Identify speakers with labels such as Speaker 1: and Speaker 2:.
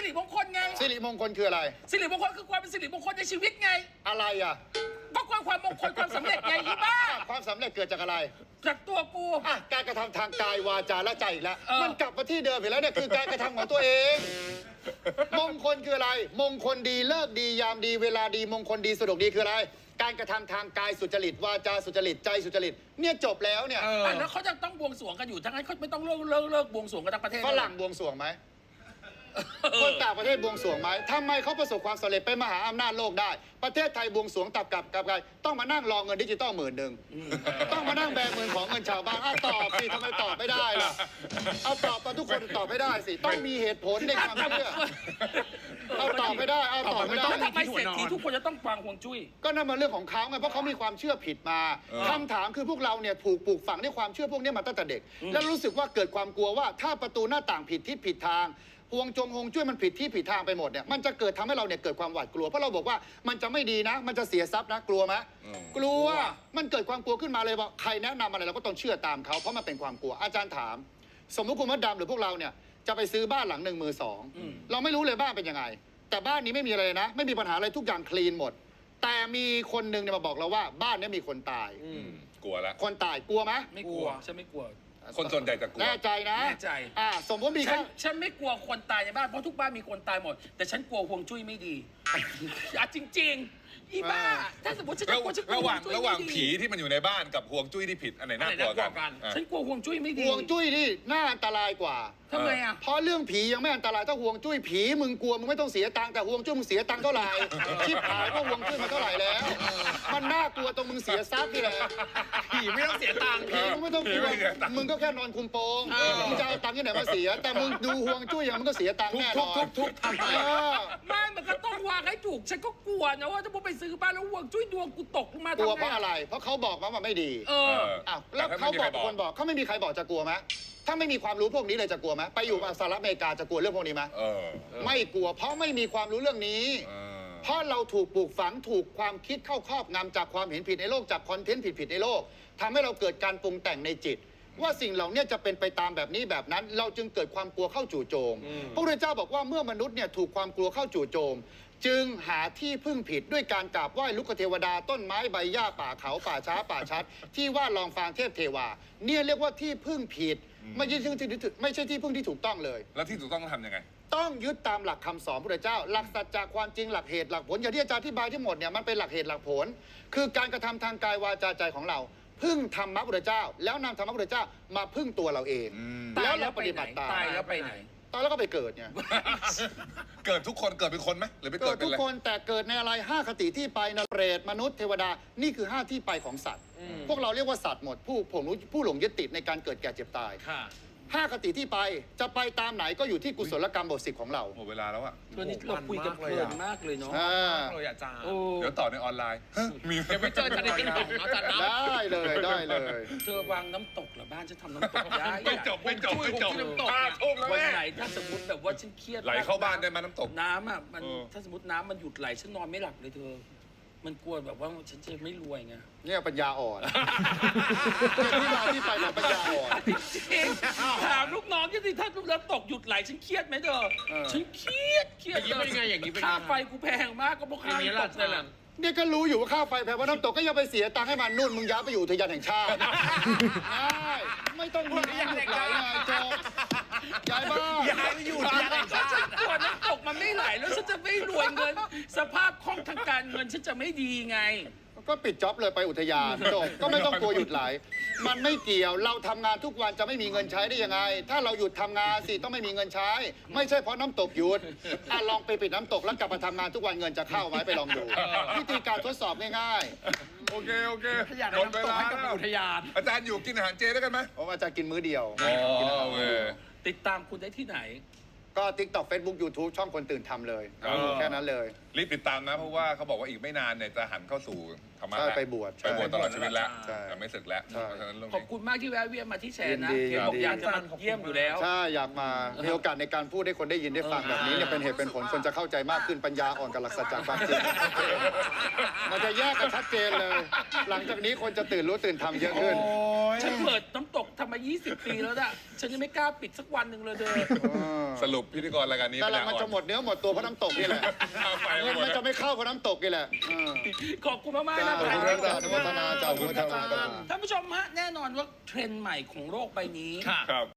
Speaker 1: ริมงคลไง
Speaker 2: สิริมงคลคืออะไร
Speaker 1: สิริมงคลคือความเป็นสิริมงคลในชีวิตไง
Speaker 2: อะไรอ่ะ
Speaker 1: ก็ความมงคลความสำเร็จไงอีบ้า
Speaker 2: ความสำเร็จเกิดจากอะไร
Speaker 1: จากตัวกู
Speaker 2: การกระทำทางกายวาจาและใจอีกแล้วมันกลับมาที่เดิมอีกแล้วเนี่ยคือการกระทำของตัวเองมงคลคืออะไรมงคลดีเลิกดียามดีเวลาดีมงคลดีสะดวกดีคืออะไรการกระทำทางกายสุจริตวาจาสุจริตใจสุจริตเนี่ยจบแล้วเนี่ย
Speaker 1: แล้วเขาจะต้องบวงสรวงกันอยู่ทั้งนั้นเขาไม่ต้องเลิกบวงสรวงกันทั้งประเทศ
Speaker 2: ฝรั่งบวงสรวงไหมคนต่างประเทศบวงสรวงไหมทำไมเขาประสบความสำเร็จเป็นมหาอำนาจโลกได้ประเทศไทยบวงสรวงกับต้องมานั่งรอเงินดิจิตอล10,000ต้องมานั่งแบมือของเงินชาวบ้านตอบสิทำไมตอบไม่ได้ล่ะเอาตอบมาทุกคนตอบไม่ได้สิต้องมีเหตุผลในความเชื่อเอาตอบไม่ได้เอาตอบไม่ได้
Speaker 1: ทำไมเศรษฐีทุกคนจะต้องฟังฮวงจุ้ย
Speaker 2: ก็นั่นมันเรื่องของเขาไงเพราะเขามีความเชื่อผิดมาคำถามคือพวกเราเนี่ยถูกปลูกฝังในความเชื่อพวกนี้มาตั้งแต่เด็กแล้วรู้สึกว่าเกิดความกลัวว่าถ้าประตูหน้าต่างผิดทิศผิดทางฮวงจุ้ยมันผิดที่ผิดทางไปหมดเนี่ยมันจะเกิดทำให้เราเนี่ยเกิดความหวาดกลัวเพราะเราบอกว่ามันจะไม่ดีนะมันจะเสียทรัพย์นะกลัวไหมกลัวมันเกิดความกลัวขึ้นมาเลยว่าใครแนะนำอะไรเราก็ต้องเชื่อตามเขาเพราะมันเป็นความกลัวอาจารย์ถามสมมติคุณมดดำหรือพวกเราเนี่ยจะไปซื้อบ้านหลัง1 มือ 2เราไม่รู้เลยบ้านเป็นยังไงแต่บ้านนี้ไม่มีอะไรนะไม่มีปัญหาอะไรทุกอย่างคลีนหมดแต่มีคนหนึ่งเนี่ยมาบอกเราว่าบ้านนี้มีคนตาย
Speaker 3: กลัวแล้ว
Speaker 2: คนตายกลัวไหม
Speaker 1: ไม่กลัวฉันไม่กลัว
Speaker 3: คนส่วนใหญ่จะกลัว
Speaker 2: แน่ใจนะ
Speaker 1: แน่ใจ
Speaker 2: สมมติมี
Speaker 1: ฉันไม่กลัวคนตายในบ้านเพราะทุกบ้านมีคนตายหมดแต่ฉันกลัวฮวงจุ้ยไม่ดีจริงอีบ้าถ้าสมมติฉันกลัว
Speaker 3: ระหว่างผีที่มันอยู่ในบ้านกับฮวงจุ้ยที่ผิดอันไหนน่ากลัวกัน
Speaker 1: ฉันกลัวฮวงจุ้ยไม่ดี
Speaker 2: ฮวงจุ้ยนี่น่าอันตรายกว่า
Speaker 1: ทำไม
Speaker 2: เพราะเรื่องผียังไม่อันตรายถ้าฮวงจุ้ยผีมึงกลัวมึงไม่ต้องเสียตังค์แต่ฮวงจุ้ยมึงเสียตังค์เท่าไหร่ชิบหายว่าฮวงจุ้ยมันเท่าไหร่แล้วมันน่ากลัวตรงมึงเสียทรัพย์นี่แหละ
Speaker 1: ผีไม่ต้องเสียตังค์
Speaker 2: ผีมึงไม่ต้องกลัวมึงก็แค่นอนคุมโปงมึงจะเอาตังค์ที่ไหนมาเสียแต่มึงดูฮวงจุ้ยอย่างมึงก็เสียตังค์แน่นอน
Speaker 1: ทุกทำไม่มันก็ต้องวางให้ถูกฉันก็กลัวนะว่าถ้ามึงไปซื้อบ้านแล้วฮวงจุ้ยดวงกูตกลงมาก
Speaker 2: ลัวเพราะอะไรเพราะเขาบอกมาว่าไม่ดีแล้วเขาบอกคนบอกเขาไม่มีใครบอกจะกลัวไหมถ้าไม่มีความรู้พวกนี้เลยจะกลัวไหมไปอยู่สหรัฐอเมริกาจะกลัวเรื่องพวกนี้ไหมไม่กลัวเพราะไม่มีความรู้เรื่องนี้เพราะเราถูกปลูกฝังถูกความคิดเข้าครอบงำจากความเห็นผิดในโลกจากคอนเทนต์ผิดในโลกทำให้เราเกิดการปรุงแต่งในจิตว่าสิ่งเหล่านี้จะเป็นไปตามแบบนี้แบบนั้นเราจึงเกิดความกลัวเข้าจู่โจมพระพุทธเจ้าบอกว่าเมื่อมนุษย์เนี่ยถูกความกลัวเข้าจู่โจมจึงหาที่พึ่งผิดด้วยการกราบไหว้ลุกเทวดาต้นไม้ใบหญ้าป่าเขาป่าช้าป่าชัดที่ว่าลองฟางเทพเทวาเนี่ยเรียกว่าที่พึ่งผิดไม่ใช่ที่พึ่งที่ถูกต้องเลย
Speaker 3: แล้วที่ถูกต้องทำยังไง
Speaker 2: ต้องยึดตามหลักคำสอนพระพุทธเจ้าหลักสัจจะความจริงหลักเหตุหลักผลอย่างที่อาจารย์อธิบายที่หมดเนี่ยมันเป็นหลักเหตุหลักผลคือการกระทำทางกายวาจาใจของเราพึ่งธรรมะพุทธเจ้าแล้วนำธรรมะพุทธเจ้ามาพึ่งตัวเราเองแล้วเราปฏิบัติตาม
Speaker 1: ตายแล้วไปไหน
Speaker 2: ตายแล้วก็ไปเกิดเนี่ย
Speaker 3: เกิดทุกคนเกิดเป็นคนไหมหรือไปเกิด
Speaker 2: ทุกคนแต่เกิดในอะไร5คติที่ไปนเปรตมนุษย์เทวดานี่คือ5ที่ไปของสัตว์พวกเราเรียกว่าสัตว์หมดผู้หลงยึดติดในการเกิดแก่เจ็บตาย5คติที่ไปจะไปตามไหนก็อยู่ที่กุศลกรรมบท10ของเรา
Speaker 3: หมดเวลาแล้วอะ
Speaker 1: วันนี้เราคุยกันเพลินมากเลยเนาะ
Speaker 3: เลยอาจารย์เดี๋ยวต่อในออนไลน์
Speaker 1: มีเดี๋ยวไปเจอกันในติ๊กต็อกอาจารย์
Speaker 2: ได้เลย
Speaker 1: เธอวางน้ำตกเหรอบ้านฉันทำน้ำตกได้
Speaker 3: ไม่จบ
Speaker 1: น้ำตกวันไหนถ้าสมมติแบบว่าฉันเครียด
Speaker 3: ไหลเข้าบ้านได้มาน้ำตก
Speaker 1: น้ำอ่ะมันถ้าสมมติน้ำมันหยุดไหลฉันนอนไม่หลับเลยเธอมันกลัวแบบว่าฉันจะไม่รวยไง
Speaker 2: เนี่ยปัญญาอ่อนที่มาที่ไปของปัญญาอ่อน
Speaker 1: จริงถามลูกน้องที่ถ้าน้ำตกหยุดไหลฉันเครียดไหมเธอฉันเครียด
Speaker 4: เป็นไงอย่างนี้เป็น
Speaker 1: ค่าไฟกูแพงมากก็เพราะค่าน้ำตกนั่นแหละ
Speaker 2: เนี่ยก็รู้อยู่ว่าค่าไฟแพงเพราะน้ำตกก็ยังไปเสียตังค์ให้มันนู่นมึงย้ายไปอยู่อุทยานแห่งชาติไม่ต้องมีน้ำหยุดไหลไงจบย้ายบ้าน
Speaker 4: ย้ายไปอยู่อุทยานแห่งชาติ
Speaker 1: กลัวน้ำตกมันไม่ไหลแล้วฉันจะไม่รวยเงินสภาพคล่องทางการเงินฉันจะไม่ดีไง
Speaker 2: ก็ปิดจ็อบเลยไปอุทยานจบก็ไม่ต้องกลัวหยุดไหลมันไม่เกี่ยวเราทำงานทุกวันจะไม่มีเงินใช้ได้ยังไงถ้าเราหยุดทำงานสิต้องไม่มีเงินใช้ไม่ใช่เพราะน้ำตกหยุดลองไปปิดน้ำตกแล้วกลับมาทำงานทุกวันเงินจะเข้าไหมไปลองดูวิธีการทดสอบง่าย
Speaker 3: ๆโอเค
Speaker 4: หมดเวลาอุทยาน
Speaker 3: อาจารย์อยู่กินอาหารเจได้กันไหม
Speaker 2: ผมอาจารย์กินมื้อเดียว
Speaker 1: ติดตามคุณได้ที่ไหน
Speaker 2: ก็ TikTok Facebook YouTube ช่องคนตื่นทำเลยแค่นั้นเลย
Speaker 3: รีบติดตามนะเพราะว่าเขาบอกว่าอีกไม่นานเนี่ยจะหันเข้าสู่ทธรรมะ
Speaker 2: ใช่ไปบวช
Speaker 3: ไปบวชตลอดชีวิตแล้ว
Speaker 2: ใช่
Speaker 3: แต่ไม่ศึกแล้ว
Speaker 2: ใช่
Speaker 3: เพราะฉะนั้นเรื่อง
Speaker 1: ขอบ
Speaker 3: นี้
Speaker 1: คุณมากที่แวะเวียนมาที่แชร์นะ
Speaker 2: ยินดี
Speaker 1: เห็นบอก
Speaker 2: ยินดี
Speaker 1: อยากจะมาเยี่ยมอยู่แล้ว
Speaker 2: ใช่อยากมามีโอกาสในการพูดให้คนได้ยินได้ฟังแบบนี้เนี่ยเป็นเหตุเป็นผลคนจะเข้าใจมากขึ้นปัญญาอ่อนกับหลักสัจจะความจริงมันจะแยกกันชัดเจนเลย หลังจากนี้คนจะตื่นรู้ตื่นทำเยอะขึ้น
Speaker 1: ฉันเปิดน้ำตกทำมา 20 ปีแล้วน่ะ ฉันยังไม่กล้าปิดสักวันหนึ่งเลยเด้อ
Speaker 3: สรุปพิธีกรรายการนี้
Speaker 2: แต่ละมันจะหมดเนื้อหมดตัวเพราะน้ำตกนี่แหละ
Speaker 3: ไป
Speaker 2: เงิน
Speaker 3: หมด
Speaker 2: มันจะไม่เข้าเพราะน้ำตกนี่แหละ
Speaker 1: ขอบคุณมากๆนะ
Speaker 2: ขอบคุณครับอนุโมทนาจ้าขอบคุณครับ
Speaker 1: ท่านผู้ชมฮะแน่นอนว่าเทรนด์ใหม่ของโลกใบนี้
Speaker 3: ครับ